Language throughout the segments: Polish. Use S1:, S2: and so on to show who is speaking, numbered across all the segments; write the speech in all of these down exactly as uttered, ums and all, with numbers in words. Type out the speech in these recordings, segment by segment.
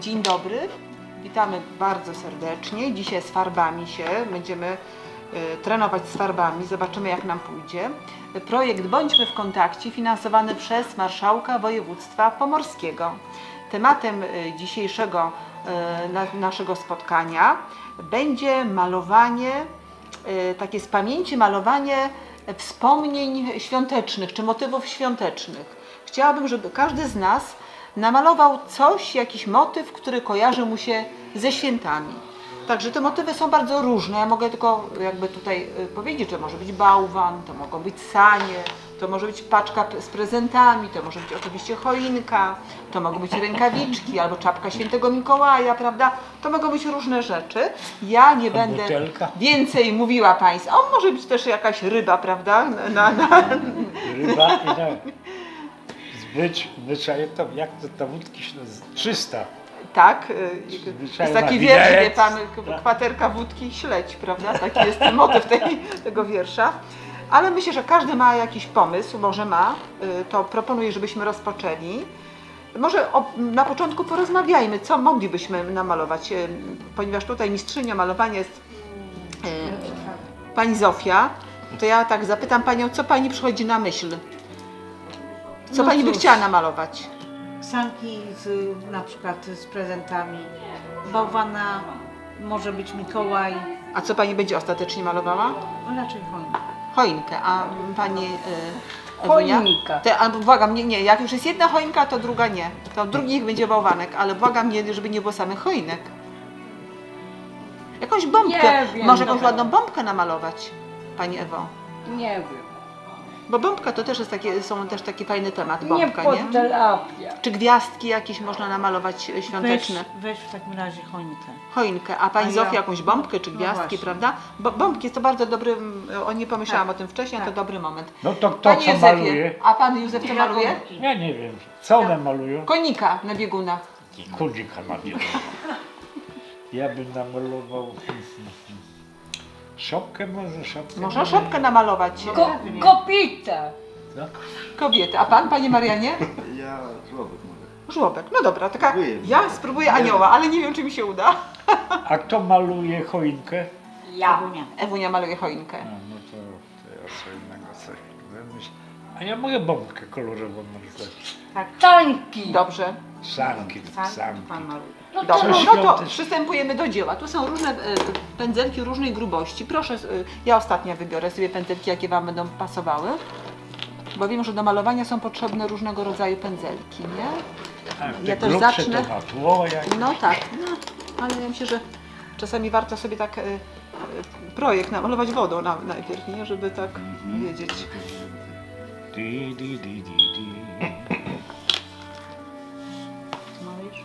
S1: Dzień dobry, witamy bardzo serdecznie. Dzisiaj z farbami się będziemy y, trenować z farbami, zobaczymy jak nam pójdzie. Projekt Bądźmy w kontakcie, finansowany przez Marszałka Województwa Pomorskiego. Tematem y, dzisiejszego y, na, naszego spotkania będzie malowanie, y, takie z pamięci malowanie wspomnień świątecznych czy motywów świątecznych. Chciałabym, żeby każdy z nas namalował coś, jakiś motyw, który kojarzy mu się ze świętami. Także te motywy są bardzo różne. Ja mogę tylko jakby tutaj powiedzieć, że może być bałwan, to mogą być sanie, to może być paczka z prezentami, to może być oczywiście choinka, to mogą być rękawiczki albo czapka świętego Mikołaja, prawda? To mogą być różne rzeczy. Ja nie będę
S2: butelka.
S1: więcej mówiła Państwu. O, może być też jakaś ryba, prawda? Na, na...
S2: Ryba i na... Zwycz, zwyczaje to, jak to ta wódki się nazywa? trzysta.
S1: Tak, y, jest taki wiersz, wie pan,
S2: tak.
S1: kwaterka wódki i śledź, prawda? Taki jest motyw tej, tego wiersza. Ale myślę, że każdy ma jakiś pomysł, może ma, y, to proponuję, żebyśmy rozpoczęli. Może o, na początku porozmawiajmy, co moglibyśmy namalować, y, ponieważ tutaj mistrzynią malowania jest y, pani Zofia, to ja tak zapytam panią, co pani przychodzi na myśl? Co
S3: No
S1: pani by
S3: cóż.
S1: chciała namalować?
S3: Sanki z, na przykład z prezentami, bałwana, może być Mikołaj,
S1: A co pani będzie ostatecznie malowała?
S3: raczej choinka.
S1: Choinkę, a pani y, Ewunia?
S3: Choinka.
S1: Te, albo błagam, nie, nie, jak już jest jedna choinka, to druga nie. To drugi niech będzie bałwanek, ale błagam, nie, żeby nie było samych choinek. Jakąś bombkę,
S3: Nie wiem,
S1: może jakąś
S3: dobra.
S1: ładną bombkę namalować, pani Ewo.
S3: Nie wiem.
S1: Bo bombka to też jest takie, są też taki fajny temat,
S3: Nie
S1: bombka, nie?
S3: podrapia.
S1: Czy gwiazdki jakieś można namalować e,
S3: Weź,
S1: świąteczne?
S3: weź w takim razie choinkę.
S1: Choinkę, a pani
S3: A ja-
S1: Zofia jakąś bombkę czy
S3: No
S1: gwiazdki,
S3: właśnie.
S1: prawda? Bo, bombki jest to bardzo dobry, o nie pomyślałam
S3: Tak.
S1: o tym wcześniej,
S3: Tak.
S1: to dobry moment.
S2: No to kto
S1: Panie
S2: co
S1: Józefie,
S2: maluje?
S1: a pan Józef co maluje?
S2: Ja nie wiem. Co one malują?
S1: Konika na biegunach.
S2: Kudzika malują. Ja bym namalował... Szopkę może? Szopkę
S1: Można szopkę namalować.
S3: Ko kopita!
S2: No,
S1: Kobiety. A pan, panie Marianie?
S4: Ja żłobek mogę.
S1: Żłobek. No dobra, taka.
S4: Spróbuję.
S1: Ja spróbuję anioła, ale nie wiem, czy mi się uda.
S2: a kto maluje choinkę?
S3: Ja.
S1: Ewunia maluje choinkę.
S2: No, no to, to ja co innego coś wymyślę. A ja mogę bombkę kolorową narysować.
S3: Tak. Tańki!
S1: Dobrze.
S2: Sanki,
S3: Sanki
S2: sanki.
S3: pan maluje. No
S1: Dobrze.
S2: Coś
S1: No to
S2: świąteczne.
S1: przystępujemy do dzieła. Tu są różne e, pędzelki różnej grubości. Proszę, e, ja ostatnia wybiorę sobie pędzelki, jakie wam będą pasowały. Bo wiem, że do malowania są potrzebne różnego rodzaju pędzelki, nie?
S2: Tak,
S1: Ja
S2: te
S1: też
S2: grubsze
S1: zacznę.
S2: To na tło, jak...
S1: No tak, no, ale ja myślę, że czasami warto sobie tak e, e, projekt namalować wodą na, najpierw, nie? Żeby tak wiedzieć.
S2: Di, di, di, di, di.
S3: Malujesz?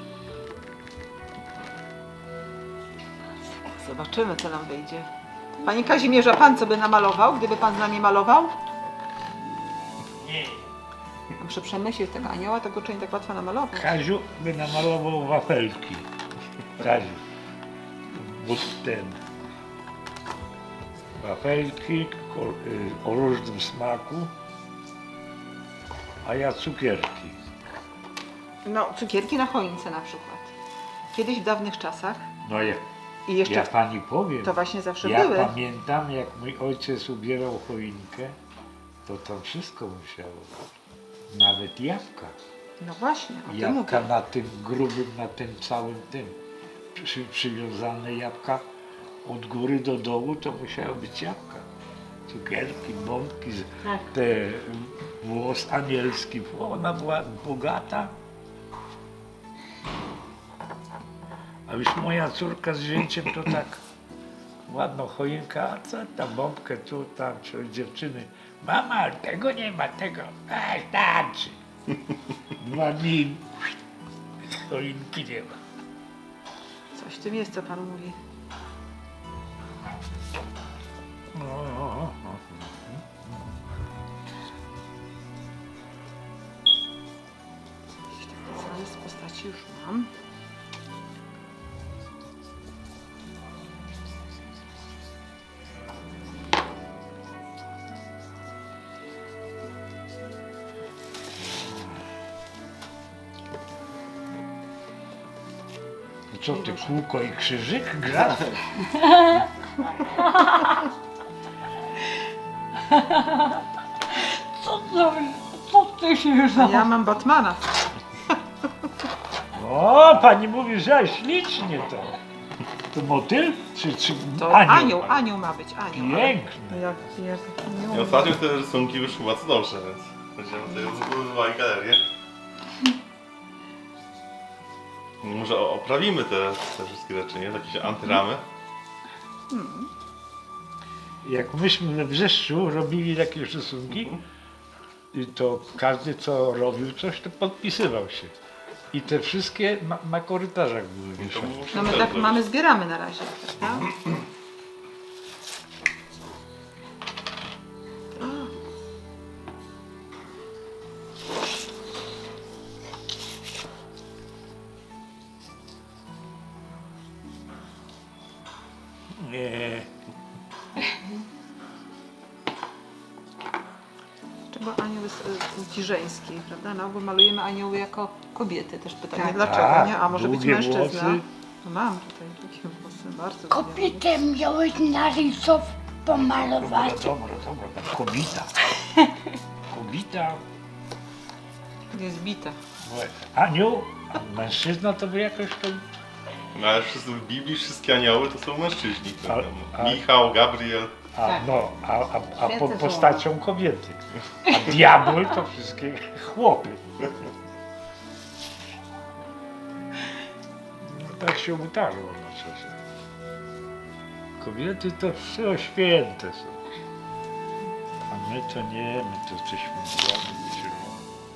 S1: Zobaczymy, co nam wyjdzie. Panie Kazimierzu, a pan co by namalował, gdyby pan z nami malował?
S2: Nie.
S1: Muszę przemyśleć tego anioła, tego czy nie tak łatwo namalować.
S2: Kaziu by namalował wafelki. Kaziu. Bo ten. Wafelki ko- y, o różnym smaku, a ja cukierki.
S1: No, cukierki na choince na przykład. Kiedyś w dawnych czasach
S2: No ja,
S1: i jeszcze
S2: ja pani powiem,
S1: to właśnie zawsze
S2: ja
S1: były.
S2: pamiętam jak mój ojciec ubierał choinkę, to tam wszystko musiało być. Nawet jabłka.
S1: No właśnie, o tym
S2: Jabłka
S1: mówię.
S2: na tym grubym, na tym całym tym. Przy, przywiązane jabłka od góry do dołu to musiały być jabłka. Cukierki, bombki, z-
S3: Tak.
S2: te włos anielski. Ona była bogata. A już moja córka z zięciem to tak ładno choinka, a co tam bombkę tu, tam, czy dziewczyny. Mama, tego nie ma, tego. A, starczy. Dwa dni choinki nie ma.
S1: Coś w tym jest, co pan mówi.
S2: No,
S1: Zarys postaci już mam.
S2: co ty, kółko i krzyżyk gra?
S3: Co to, co ty się już
S1: A ja mam Batmana.
S2: O, pani mówi, że ślicznie to. To motyl? Czy, czy
S1: To
S2: anioł?
S1: anioł, anioł ma być, anioł. ale-
S2: Piękny.
S1: Jak, jak,
S5: I
S1: nie
S5: ostatnio te rysunki wyszły bardzo dobrze, więc będziemy tutaj zbudowali galerię. Może o- oprawimy te, te wszystkie rzeczy, nie? Jakieś antyramy.
S2: Jak myśmy we Wrzeszczu robili takie rysunki, i to każdy co robił coś, to podpisywał się. I te wszystkie na, na korytarzach były
S5: To
S2: wieszane.
S5: musimy
S1: No my
S5: też
S1: tak
S5: zrobić.
S1: mamy, zbieramy na razie, prawda?
S2: Nie.
S1: Czego anioł jest y, płci żeńskiej, prawda? No bo malujemy anioły jako kobiety. Też pytanie
S3: Tak.
S1: dlaczego,
S2: Tak,
S1: nie? A może być
S2: długie
S1: mężczyzna?
S2: włosy.
S1: No mam tutaj takie włosy, bardzo
S6: Kobietę miałeś narysow pomalować.
S2: Dobra, dobra, dobra. Kobita. Kobita.
S1: ładnie. Jest bita.
S2: Anioł, a mężczyzna to by jakoś to...
S5: No ale wszyscy w Biblii wszystkie anioły to są mężczyźni.
S2: A-
S5: Tam
S2: a-
S5: Michał, Gabriel.
S2: A,
S3: Tak.
S2: no, a, a, a po,
S3: Święte słowa.
S2: postacią kobiety. A diabły to wszystkie chłopy. No, tak się utarło na czasie. Kobiety to wszystko święte są. A my to nie, my to jesteśmy złami wyzielone.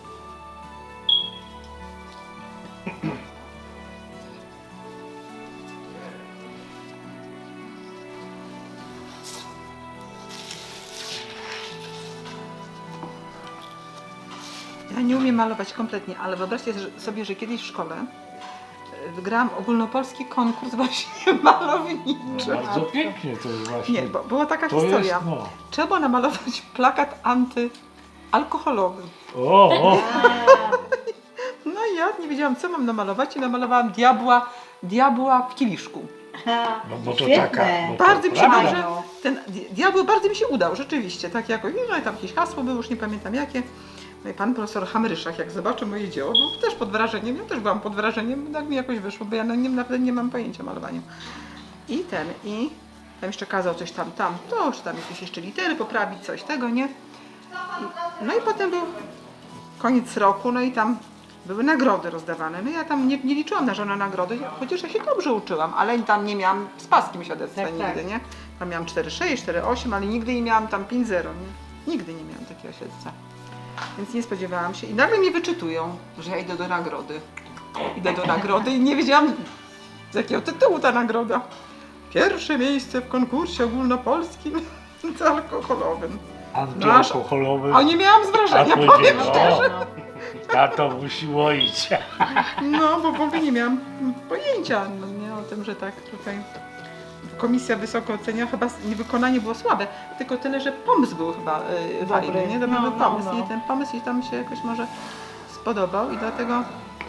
S1: Ja nie umiem malować kompletnie, ale wyobraźcie że- sobie, że kiedyś w szkole y, wygrałam ogólnopolski konkurs właśnie malowniczy.
S2: No, bardzo pięknie to jest właśnie.
S1: Nie, bo była taka
S2: to
S1: historia.
S2: jest, no.
S1: Trzeba było namalować plakat antyalkoholowy.
S2: O, o,
S1: No i ja nie wiedziałam, co mam namalować i namalowałam diabła, diabła w kieliszku.
S2: no bo to
S3: Świetne.
S2: taka. Bo to
S1: Bardzo mi się
S2: prawda.
S1: dobrze, ten di- diabeł bardzo mi się udał, rzeczywiście, tak jakoś, no i tam jakieś hasło było, już nie pamiętam jakie. No i pan profesor Hamryszak, jak zobaczył moje dzieło, był też pod wrażeniem, ja też byłam pod wrażeniem, tak mi jakoś wyszło, bo ja no, nie, naprawdę nie mam pojęcia o malowaniu. I ten, i tam jeszcze kazał coś tam, tam, to, czy tam jakieś jeszcze litery poprawić, coś tego, nie? I, no i potem był koniec roku, no i tam były nagrody rozdawane. No ja tam nie, nie liczyłam na żadne nagrody, chociaż ja się dobrze uczyłam, ale tam nie miałam z paskiem świadectwa
S3: Tak,
S1: nigdy,
S3: tak.
S1: nie? Tam miałam cztery sześć, cztery osiem, ale nigdy nie miałam tam pięć zero, nie? Nigdy nie miałam takiego świadectwa. Więc nie spodziewałam się i nagle mnie wyczytują, że ja idę do nagrody. Idę do nagrody i nie wiedziałam z jakiego tytułu ta nagroda. Pierwsze miejsce w konkursie ogólnopolskim alkoholowym.
S2: Antyalkoholowy.
S1: A nie miałam z
S2: A
S1: wrażenia, powiem
S2: powiedział,
S1: szczerze.
S2: o, tato musi łoić.
S1: No, bo w ogóle nie miałam pojęcia no, nie, o tym, że tak tutaj komisja wysoko ocenia, chyba wykonanie było słabe, tylko tyle, że pomysł był chyba y, fajny, nie? Dobry
S3: No,
S1: był
S3: no,
S1: pomysł
S3: no.
S1: i ten pomysł i tam się jakoś może spodobał i dlatego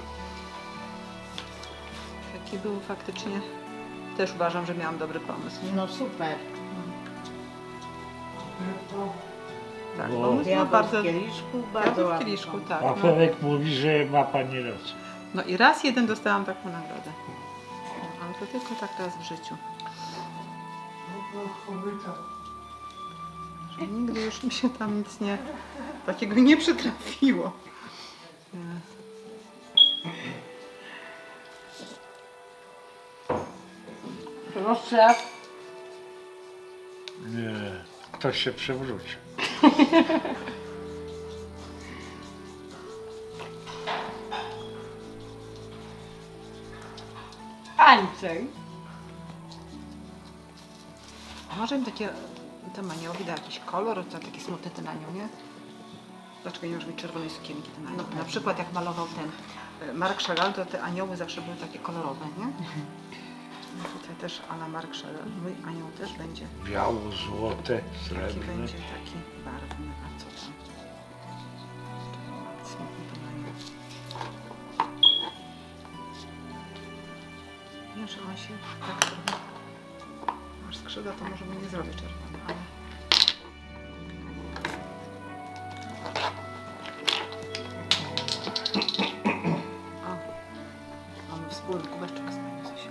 S1: taki był faktycznie, też uważam, że miałam dobry pomysł. Nie?
S3: No super.
S1: Tak,
S2: Bo-
S1: pomysł był
S3: Diabeł
S1: bardzo...
S3: w kieliszku,
S1: Ja
S3: bardzo
S1: w
S3: ładny
S1: kieliszku,
S3: pomysł.
S1: tak.
S2: A
S1: No.
S2: Felek mówi, że ma pani rację.
S1: no i raz jeden dostałam taką nagrodę. No, ale to tylko tak raz w życiu. Że nigdy już mi się tam nic nie, takiego nie przytrafiło.
S3: Proszę.
S2: Nie, ktoś się przewrócił.
S3: Andrzej.
S1: A może im takie, ten aniołowi da jakiś kolor, to taki smutny ten anioł, nie? Dlaczego nie może być czerwonej sukienki ten anioł? Na przykład jak malował ten e, Marc Chagall, to te anioły zawsze były takie kolorowe, nie? No tutaj też a la Marc Chagall, mój anioł też będzie
S2: Biało, złote,
S1: taki,
S2: srebrne.
S1: będzie taki barwny, a co tam? Smutny ten anioł. się tak trochę. Masz skrzydła, to może nie zrobię czerwone, ale... O, mamy wspólny kubeczek z Panią Zosią.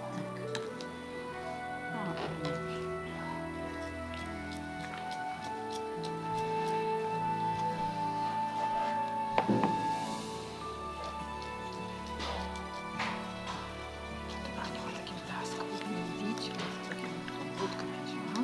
S1: O, to dobrze. Ania ma takim blasku, powinien widzieć, takim obwódkę będzie, no.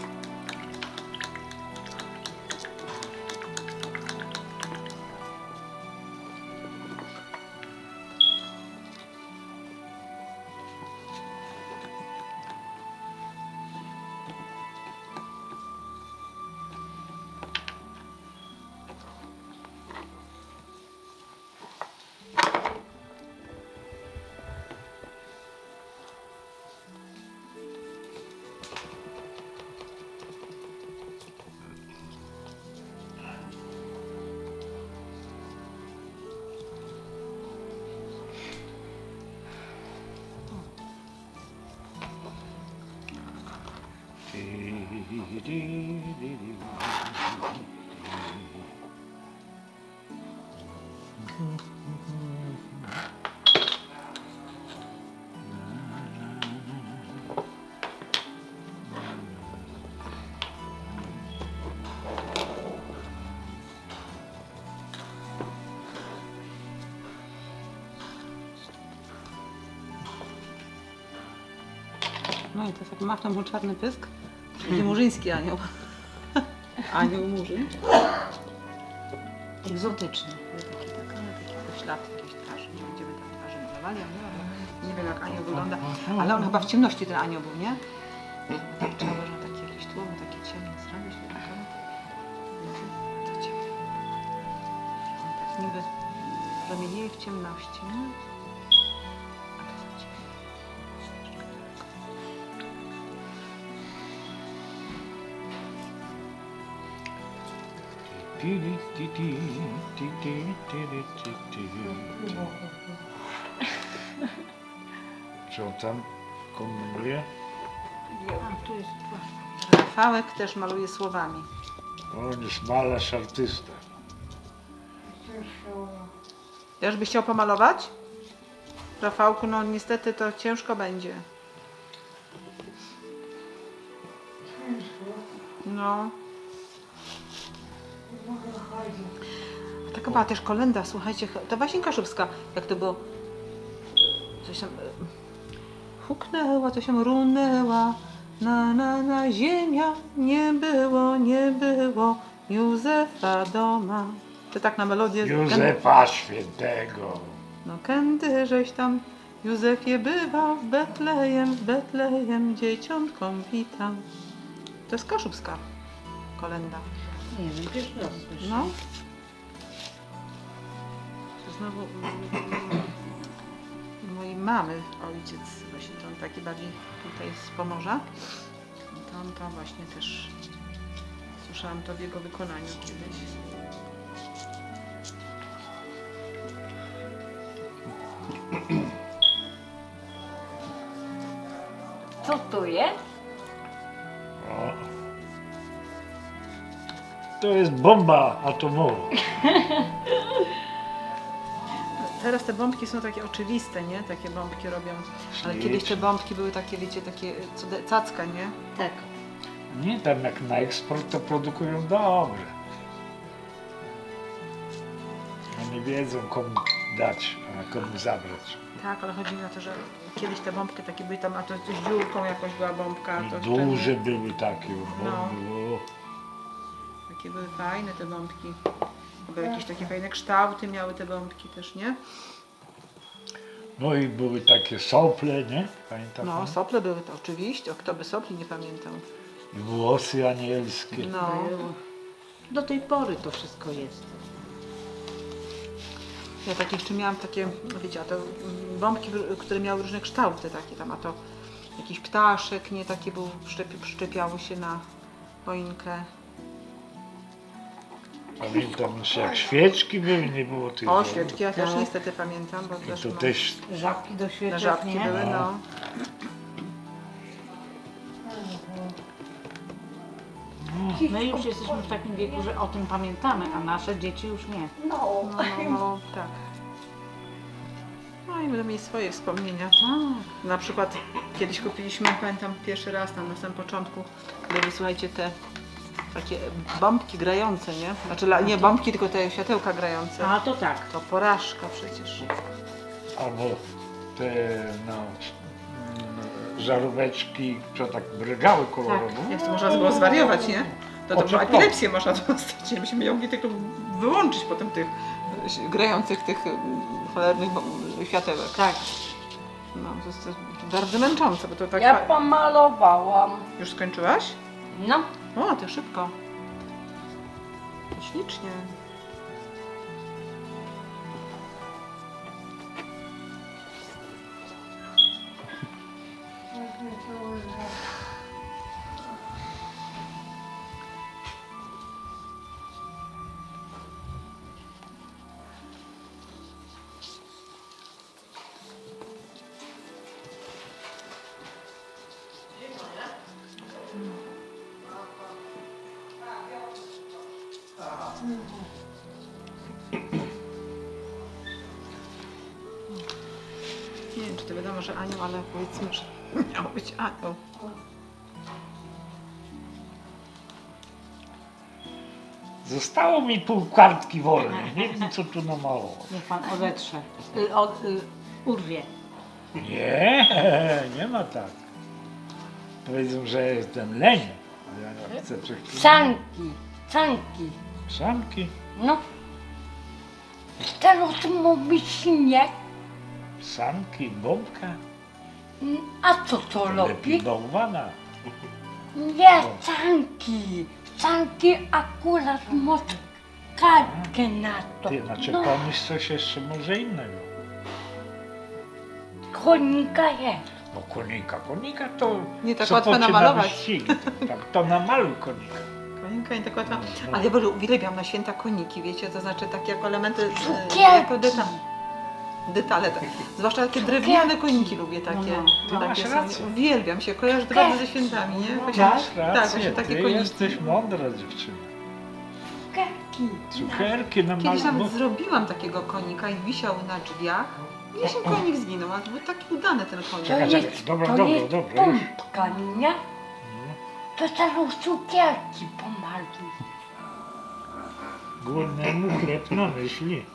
S1: No i to jak machnął mu czarny pysk, będzie murzyński anioł. Anioł murzyn.
S3: Egzotyczny.
S1: Taki, tak, ale taki poślad jakiejś twarzy. Nie będziemy tam twarzy malowali, ale nie wiem jak anioł wygląda. Ale on chyba w ciemności ten anioł był, nie? Tak trzeba, że takie jakieś tłumy, takie ciemne zrobić. To ciemne. On tak niby promienieje w ciemności, nie? A to za ciemno.
S2: Co tam kombinuje?
S3: A, tu jest
S1: Rafałek też maluje słowami.
S2: On jest malarz, artysta.
S1: Też byś chciał pomalować? Rafałku, no niestety to ciężko będzie. No. A taka była też kolenda, słuchajcie, to Wasinka Szubska, jak to było, coś tam, e, huknęła, coś tam runęła, na, na, na, ziemia, nie było, nie było Józefa doma. To tak na melodię.
S2: Józefa Świętego.
S1: No kędy żeś tam, Józefie, bywa w Betlejem, w Betlejem dzieciątką witam. To jest kaszubska kolenda.
S3: Nie wiem, pierwszy raz słyszę.
S1: No. To znowu mm, mojej mamy ojciec, właśnie to on taki bardziej tutaj z Pomorza. To on to właśnie też słyszałam to w jego wykonaniu kiedyś.
S7: Co tu jest?
S2: O. To jest bomba atomowa.
S1: Teraz te bombki są takie oczywiste, nie? Takie bombki robią. Ale
S2: Ślicznie.
S1: kiedyś te bombki były takie, wiecie, takie cude- cacka, nie?
S3: Tak.
S2: Nie, tam jak na eksport to produkują dobrze. Oni wiedzą komu dać, a komu zabrać.
S1: Tak, ale chodzi mi o to, że kiedyś te bombki takie były tam, a to z dziurką jakoś była bombka.
S2: I
S1: To
S2: duże
S1: wtedy
S2: były takie bomby. O.
S1: takie były fajne te bombki. Były jakieś takie fajne kształty miały te bombki też, nie?
S2: No i były takie sople, nie? Pamiętam?
S1: No, sople były to oczywiście, o kto by sopli nie pamiętał.
S2: I włosy anielskie.
S1: No,
S3: Było. Do tej pory to wszystko jest.
S1: ja takie jeszcze miałam takie, wiecie, a to mm, bombki, które miały różne kształty takie tam, a to jakiś ptaszek, nie, takie był, przyczepi, przyczepiało się na choinkę.
S2: Pamiętam jeszcze jak świeczki były, nie było tych.
S1: O,
S2: bomb.
S1: świeczki ja też
S3: Tak.
S1: niestety pamiętam, bo
S2: I
S1: też
S2: to
S1: mam-
S2: też
S3: Żabki do
S1: na
S3: świeczek,
S1: żabki
S3: nie?
S1: były,
S2: No.
S1: no.
S3: My już jesteśmy w takim wieku, że o tym pamiętamy, a nasze dzieci już nie.
S6: No.
S1: No, no, no, tak. No i będą mieli swoje wspomnienia.
S3: Tak.
S1: Na przykład kiedyś kupiliśmy, pamiętam pierwszy raz tam na samym początku, były, słuchajcie, te takie bombki grające, nie? Znaczy la- nie bombki, tylko te światełka grające.
S3: A to tak.
S1: To porażka przecież.
S2: Albo te no, mm, żaróweczki, co tak brygały kolorowo.
S1: Jak to można było zwariować, nie? To, to
S2: O,
S1: była
S2: co-
S1: epilepsję można dostać. nie? Myśmy mogli tylko wyłączyć potem tych e, grających tych e, cholernych bo- światełek.
S3: Tak.
S1: No, to jest, to jest bardzo męczące, bo to tak...
S7: Ja
S1: fa-
S7: pomalowałam.
S1: Już skończyłaś?
S7: No,
S1: O, to szybko. Ślicznie. Nie wiem, czy to wiadomo, że anioł, ale powiedzmy, że miał być anioł.
S2: Zostało mi pół kartki wolnej, nie wiem co tu namalować.
S3: Niech pan odetrze. Y, od, y, urwie.
S2: Nie, nie ma tak. Powiedzą, że jestem leń. Ja nie chcę przecież.
S7: sanki, sanki.
S2: Sanki,
S7: No. Teraz mówi śnieg.
S2: sanki, bombka,
S7: Mm, A co to
S2: lepiej
S7: robi?
S2: bałwana.
S7: Nie, sanki. Sanki akurat może kartkę na to.
S2: Ty, znaczy
S7: No,
S2: pomyśl coś jeszcze może innego.
S7: konika jest.
S2: No konika, konika to...
S1: Nie tak
S2: co
S1: łatwo
S2: poczyna
S1: namalować.
S2: wyścigi. Tak, to namaluj konika.
S1: Koninka nie tak łatwa.
S2: No.
S1: Ale ja bardzo uwielbiam na święta koniki, wiecie, to znaczy takie jako elementy, e,
S7: Cukierki.
S1: jako deta detale. Tak. Zwłaszcza takie drewniane koniki lubię takie.
S3: No,
S2: no.
S1: takie
S2: Masz
S1: są-
S2: rację.
S1: Uwielbiam się, kojarzę to bardzo ze świętami, nie? Właśnie-
S2: Masz
S1: tak,
S2: rację,
S1: właśnie takie
S2: ty
S1: koniki.
S2: jesteś mądra dziewczyna.
S7: Cukierki.
S2: Cukierki na
S1: Kiedyś nawet
S2: malu.
S1: zrobiłam takiego konika i wisiał na drzwiach. Gdzieś ten konik zginął, ale był taki udany ten konik.
S2: Czekaj,
S7: To
S2: czekaj,
S7: jest,
S2: dobra,
S7: to
S2: dobra,
S7: jest
S2: dobra, już.
S7: pompka, nie? To teraz cukierki pomaluj.
S2: Głodnemu chleb na myśli.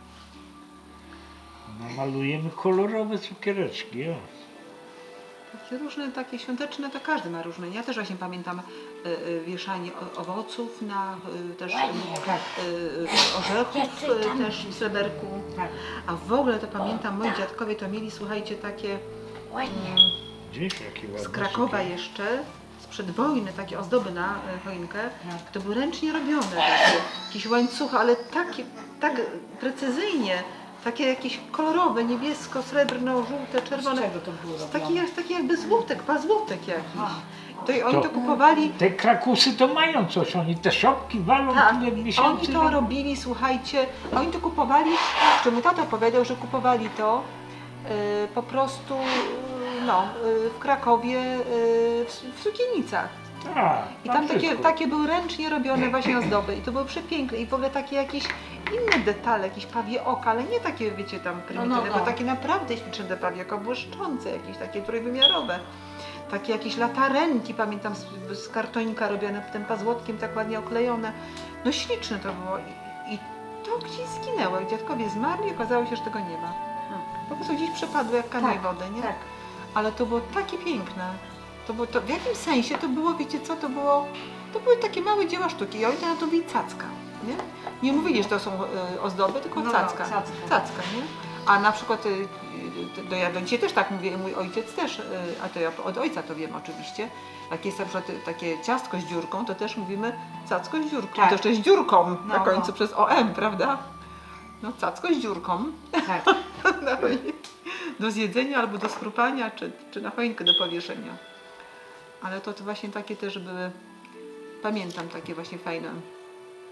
S2: Namalujemy kolorowe cukiereczki, o.
S1: Takie różne, takie świąteczne, to każdy ma różne. Ja też właśnie pamiętam y, y, wieszanie o- owoców na y, też y, y, orzechów, y, też w sreberku.
S3: Tak.
S1: A w ogóle to pamiętam, moi dziadkowie to mieli, słuchajcie, takie
S7: Ładnie.
S2: Gdzieś jaki ładny
S1: z Krakowa
S2: cukier.
S1: jeszcze, sprzed wojny, takie ozdoby na y, choinkę.
S3: Tak.
S1: To były ręcznie robione, takie, jakieś łańcuchy, ale takie, tak precyzyjnie, takie jakieś kolorowe, niebiesko, srebrno, żółte,
S3: Z
S1: czerwone.
S3: czego to było
S1: Taki,
S3: robione?
S1: jak- taki jakby złotek, pazłotek jakiś.
S3: Aha.
S1: To i oni
S2: To-
S1: to kupowali.
S2: Te krakusy to mają coś, oni te szopki walą
S1: Tak,
S2: tyle
S1: oni
S2: miesięcy.
S1: to robili, słuchajcie, a oni to kupowali, czy mój tata opowiadał, że kupowali to y, po prostu y, no, y, w Krakowie y, w, w sukienicach.
S2: Tak,
S1: I tam takie,
S2: wszystko.
S1: takie były ręcznie robione właśnie ozdoby i to były przepiękne i w ogóle takie jakieś inne detale, jakieś pawie oka, ale nie takie, wiecie, tam prymitywne,
S3: no, no.
S1: bo takie naprawdę śliczne te pawie oka, błyszczące, jakieś takie trójwymiarowe. Takie jakieś latarenki, pamiętam, z, z kartonika robione tym pazłotkiem, tak ładnie oklejone. No śliczne to było i, i to gdzieś zginęło. Jak dziadkowie zmarli, okazało się, że tego nie ma. Po prostu gdzieś przepadło jak kanał
S3: Tak,
S1: wody, nie?
S3: tak.
S1: Ale to było takie piękne. To było to, w jakim sensie to było, wiecie co, to było, to były takie małe dzieła sztuki i oni to nazywali cacka, nie? Nie mówili, że to są e, ozdoby, tylko
S3: No, no,
S1: cacka.
S3: cacka.
S1: Cacka, nie? A na przykład, y, y, to ja do dzisiaj też tak mówię, i mój ojciec też, y, a to ja od ojca to wiem oczywiście, jak jest na przykład y, takie ciastko z dziurką, to też mówimy cacko z dziurką,
S3: Tak.
S1: to jeszcze z dziurką na
S3: No,
S1: końcu
S3: no.
S1: przez O M, prawda? No cacko z dziurką.
S3: Tak.
S1: na choinkę. Do zjedzenia albo do skrupania, czy, czy na choinkę do powieszenia. Ale to, to właśnie takie też były, pamiętam takie właśnie fajne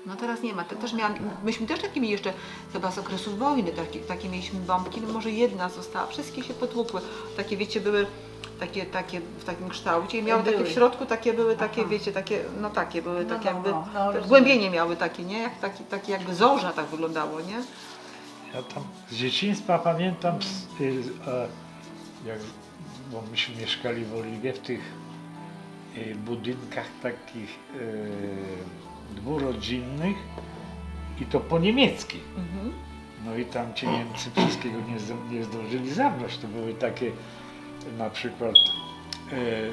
S1: No teraz nie ma. Te też miałam, myśmy też takie mieli jeszcze chyba z okresu wojny, takie, takie mieliśmy bombki, no może jedna została, wszystkie się potłukły. Takie wiecie, były takie, takie w takim kształcie i miały takie
S3: Były.
S1: w środku, takie były takie,
S3: Aha.
S1: wiecie, takie, no takie były,
S3: No,
S1: tak
S3: no,
S1: jakby,
S3: no, no, rozumiem.
S1: głębienie miały takie, nie? Jak, takie, takie jakby zorza tak wyglądało, nie?
S2: Ja tam z dzieciństwa pamiętam, z, y, e, jak, bo myśmy mieszkali w Oliwie, w tych y, budynkach takich y, dwurodzinnych i to po niemiecki.
S1: Mhm.
S2: No i tam ci Niemcy wszystkiego nie, zdo- nie zdążyli zabrać. To były takie na przykład e, e,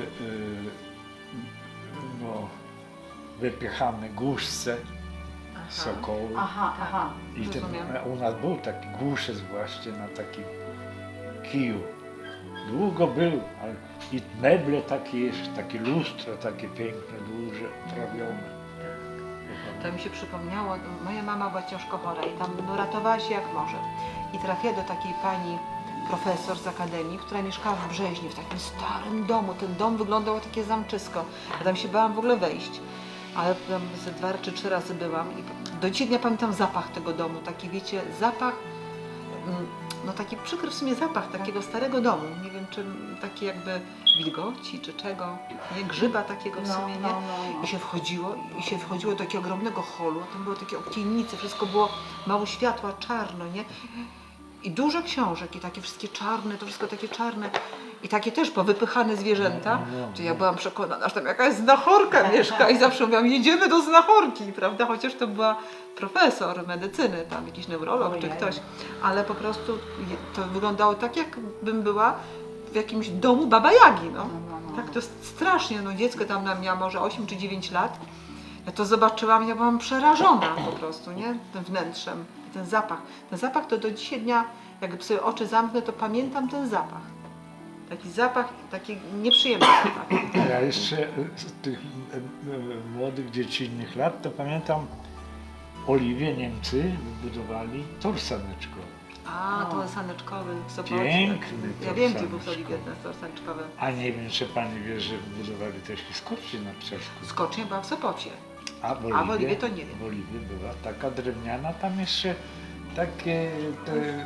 S2: no, wypychane głuszce, sokoły.
S3: Aha, aha.
S2: I ten,
S1: rozumiem.
S2: u nas był taki głuszec właśnie na takim kiju. Długo był, ale i meble takie jeszcze, takie lustra, takie piękne, duże, trawione.
S1: To mi się przypomniało, moja mama była ciężko chora i tam no, ratowała się jak może. I trafiła do takiej pani profesor z akademii, która mieszkała w Brzeźnie, w takim starym domu. Ten dom wyglądał jak takie zamczysko. Ja tam się bałam w ogóle wejść. Ale tam ze dwa czy trzy razy byłam i do dzisiaj dnia pamiętam zapach tego domu. Taki wiecie, zapach, mm, no taki przykry w sumie zapach takiego starego domu. Nie wiem, czy taki jakby wilgoci, czy czego, nie? Grzyba takiego w
S3: No,
S1: sumie, nie?
S3: no, no, no.
S1: I się wchodziło, i się wchodziło do takiego ogromnego holu, tam były takie okiennice, wszystko było mało światła, czarno, nie? I dużo książek, i takie wszystkie czarne, to wszystko takie czarne. I takie też powypychane zwierzęta.
S2: No, no, no.
S1: To ja byłam przekonana, że tam jakaś znachorka mieszka i zawsze mówiłam, jedziemy do znachorki, prawda? Chociaż to była profesor medycyny, tam jakiś neurolog czy
S3: Ojej.
S1: ktoś. Ale po prostu je- to wyglądało tak, jakbym była w jakimś domu Baba Jagi, no.
S3: No, no, no.
S1: Tak to jest strasznie, no dziecko tam na miała może osiem czy dziewięć lat. Ja to zobaczyłam, ja byłam przerażona po prostu, nie? Tym wnętrzem, ten zapach. Ten zapach to do dzisiaj dnia, jak sobie oczy zamknę, to pamiętam ten zapach. Taki zapach, taki nieprzyjemny zapach.
S2: Ja jeszcze z tych e, e, młodych, dziecinnych lat to pamiętam Oliwie Niemcy wybudowali tor saneczkowy.
S1: A, to saneczkowy w Sopocie.
S2: Piękny
S1: Ja
S2: tor
S1: wiem, gdzie był w
S2: saneczkowy.
S1: Oliwie ten tor saneczkowy.
S2: A nie wiem, czy pani wie, że wybudowali też i skocznie na Przeszku.
S1: Skocznie była w Sopocie.
S2: A w
S1: A w Oliwie to nie wiem.
S2: W Oliwie była taka drewniana, tam jeszcze takie te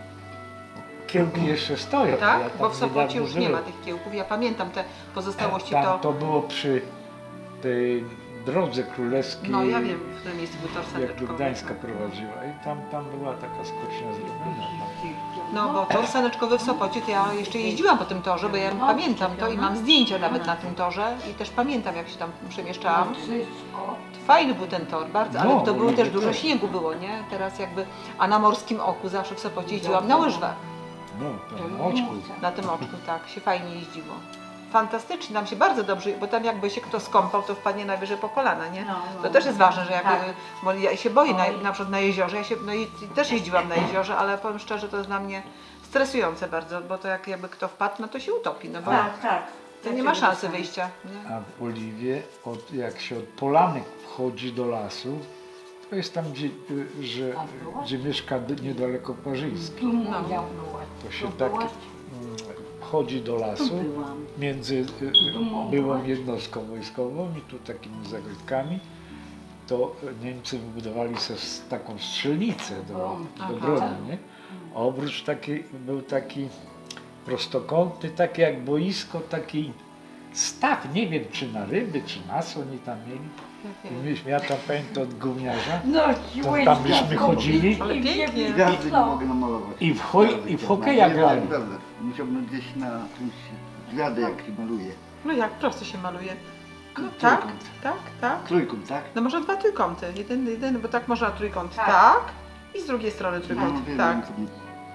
S2: kiełki jeszcze stoją. Ja
S1: Tak?
S2: tam
S1: Bo w Sopocie
S2: niedawno
S1: już nie ma
S2: byłem.
S1: tych kiełków. Ja pamiętam te pozostałości
S2: Tam
S1: to...
S2: to było przy tej drodze królewskiej,
S1: No ja wiem, w którym miejscu był tor
S2: jak
S1: saneczkowy.
S2: do Gdańska prowadziła i tam, tam była taka skocznia zrobiona. Tam.
S1: No bo tor saneczkowy w Sopocie, to ja jeszcze jeździłam po tym torze, bo ja pamiętam to i mam zdjęcia nawet na tym torze i też pamiętam, jak się tam przemieszczałam.
S7: Wszystko.
S1: Fajny był ten tor, bardzo, ale
S2: No,
S1: to było
S2: ludzie
S1: też dużo
S2: też.
S1: śniegu było, nie? Teraz jakby, a na Morskim Oku zawsze w Sopocie jeździłam na łyżwach.
S2: No, tam na oczku.
S1: Na tym oczku, tak, się fajnie jeździło. Fantastycznie, nam się bardzo dobrze, bo tam jakby się kto skąpał, to wpadnie najwyżej po kolana, nie?
S3: No, no.
S1: To też jest ważne, że jakby,
S3: Tak.
S1: bo ja się boję na,
S3: Oj.
S1: na przykład na jeziorze, ja się, no i i też jeździłam na jeziorze, ale powiem szczerze, to jest dla mnie stresujące bardzo, bo to jak jakby kto wpadł, no to się utopi, no bo
S3: Tak, tak.
S1: to nie ma szansy wyjścia, nie?
S2: A w Oliwie, od, jak się od Polanek wchodzi do lasu, to jest tam, gdzie, y, że, gdzie mieszka d- niedaleko Parzyński.
S7: Tu moja
S1: No.
S7: była.
S2: To się
S7: Tu
S2: tak
S7: byłaś?
S2: mm, wchodzi do lasu
S3: byłam.
S2: między y, y, byłą jednostką wojskową i tu takimi zagródkami. To Niemcy wybudowali sobie s- taką strzelnicę do,
S1: Aha.
S2: do broni, nie? A obrót taki, był taki prostokątny, taki jak boisko, taki staw, nie wiem czy na ryby, czy na co oni tam mieli. I myśmy, ja tam pamiętam od gówniarza,
S7: No,
S2: to tam myśmy chodzili
S1: Ale pięknie.
S4: Gwiazdy nie mogę namalować.
S2: i w, hoj, i w hokeja grali.
S4: Naprawdę. Musiałbym gdzieś na czymś gwiazdę jak się maluje.
S1: No jak prosto się maluje. No tak,
S4: Trójkąt.
S1: tak, tak.
S4: Trójkąt, tak?
S1: No może dwa trójkąty, jeden, jeden, bo tak można trójkąt, tak,
S3: Tak.
S1: i z drugiej strony
S4: No,
S1: trójkąt,
S4: wiem,
S1: tak.
S4: wiem,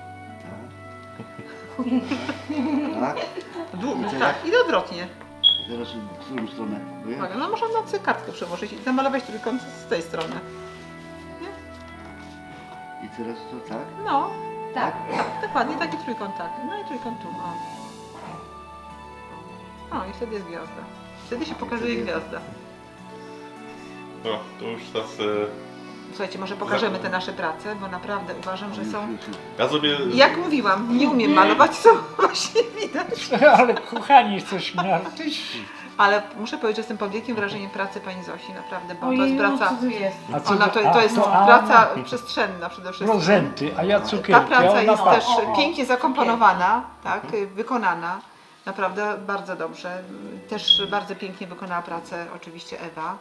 S4: tak. Tak.
S1: Dłu-
S4: I teraz?
S1: tak, i odwrotnie.
S4: Teraz w którą stronę? Bo ja-
S1: Uwaga, no można na sobie kartkę przełożyć i zamalować trójkąt z tej strony.
S4: I teraz to tak?
S1: No,
S3: Tak.
S1: tak, dokładnie taki trójkąt, tak. No i trójkąt tu, o. O, i wtedy jest gwiazda. Wtedy się pokazuje gwiazda.
S5: No, to już teraz... E,
S1: Słuchajcie, może pokażemy te nasze prace, bo naprawdę uważam, że są...
S4: Już, już, już.
S5: ja sobie...
S1: Jak mówiłam, nie umiem malować, co właśnie widać.
S2: Ale kochani, jesteśmy artyści.
S1: Ale muszę powiedzieć, że jestem pod wielkim wrażeniem pracy pani Zosi, naprawdę, bo to jest
S3: Ojej,
S1: praca...
S3: co to jest?
S2: A co
S1: Ona
S2: to-
S1: to, to
S2: a,
S1: jest
S2: to- a,
S1: praca
S2: no.
S1: przestrzenna przede wszystkim.
S2: Prezenty, a ja cukierki.
S1: Ta
S2: a
S1: praca
S2: ona
S1: jest
S2: patrzy.
S1: też pięknie zakomponowana, tak, wykonana. Naprawdę bardzo dobrze. Też bardzo pięknie wykonała pracę oczywiście Ewa.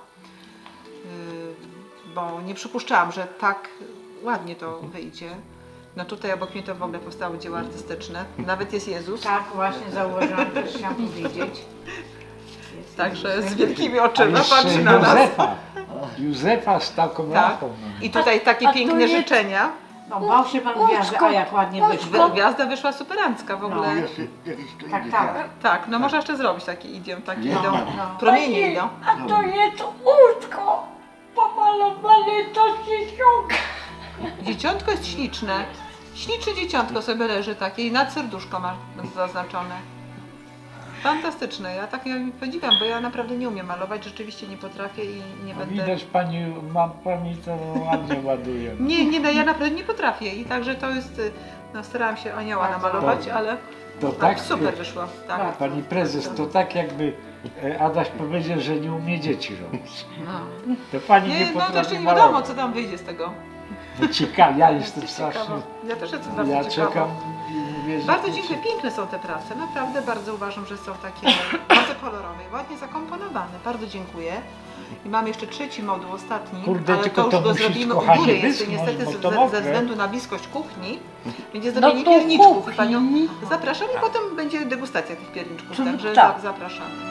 S1: Yy, Bo nie przypuszczałam, że tak ładnie to wyjdzie. No tutaj obok mnie to w ogóle powstały dzieła artystyczne. Nawet jest Jezus.
S3: Tak, właśnie zauważyłam, też chciałam powiedzieć. Jest
S1: Także z wielkimi
S2: A
S1: oczyma
S2: jeszcze
S1: patrzy na nas.
S2: Józefa. Józefa z taką
S1: Tak.
S2: lampą.
S1: I tutaj takie
S7: A to
S1: piękne
S7: jest-
S1: życzenia.
S3: No bał się pan gwiazdy, a jak ładnie wyszło.
S1: Gwiazda wyszła superancka w ogóle.
S4: No, jeszcze jakiś to
S3: Tak,
S4: idzie,
S3: tak.
S1: Tak, no można jeszcze zrobić taki idiom, taki
S4: Nie,
S1: idą.
S4: no.
S3: No.
S1: Promienie idą.
S7: A to jest łóżko pomalowane to dzieciątka.
S1: Dzieciątko jest śliczne. Śliczne dzieciątko sobie leży takie i nad serduszko ma zaznaczone. Fantastyczne. Ja tak ja podziwiam, bo ja naprawdę nie umiem malować, rzeczywiście nie potrafię i nie
S2: A
S1: będę...
S2: widać pani, ma pani to ładnie ładuje.
S1: Nie, nie, no ja naprawdę nie potrafię i także to jest... y, No starałam się anioła
S3: Bardzo
S1: namalować,
S2: dobrze.
S1: ale
S2: To
S1: tak,
S2: tak,
S1: super wyszło. Tak.
S3: Tak.
S2: pani prezes, to tak jakby e, Adaś powiedział, że nie umie dzieci robić.
S1: No.
S2: To pani nie,
S1: Nie, no to
S2: potrafi
S1: jeszcze nie
S2: malować.
S1: wiadomo, co tam wyjdzie z tego.
S2: No ciekawe, ja jestem strasznie,
S1: Ciekawo. Ja też jestem bardzo
S2: ja
S1: ciekawa.
S2: czekam i mówię, że
S1: Bardzo
S2: to
S1: dziękuję, piękne są te prace, naprawdę bardzo uważam, że są takie bardzo kolorowe i ładnie zakomponowane, bardzo dziękuję. I mam jeszcze trzeci moduł, ostatni,
S2: Kurde,
S1: ale
S2: tylko
S1: to już
S2: to
S1: go
S2: musi,
S1: zrobimy u
S2: kochanie,
S1: góry, jeszcze
S2: wyschnąć,
S1: niestety
S2: bo
S1: ze,
S2: to
S1: ze
S2: mokre.
S1: względu na bliskość kuchni będzie
S7: No
S1: zrobienie
S7: to
S1: pierniczków i
S7: kuchni.
S1: panią zapraszam i potem będzie degustacja tych pierniczków,
S7: To
S1: także
S7: tak.
S1: za- zapraszamy.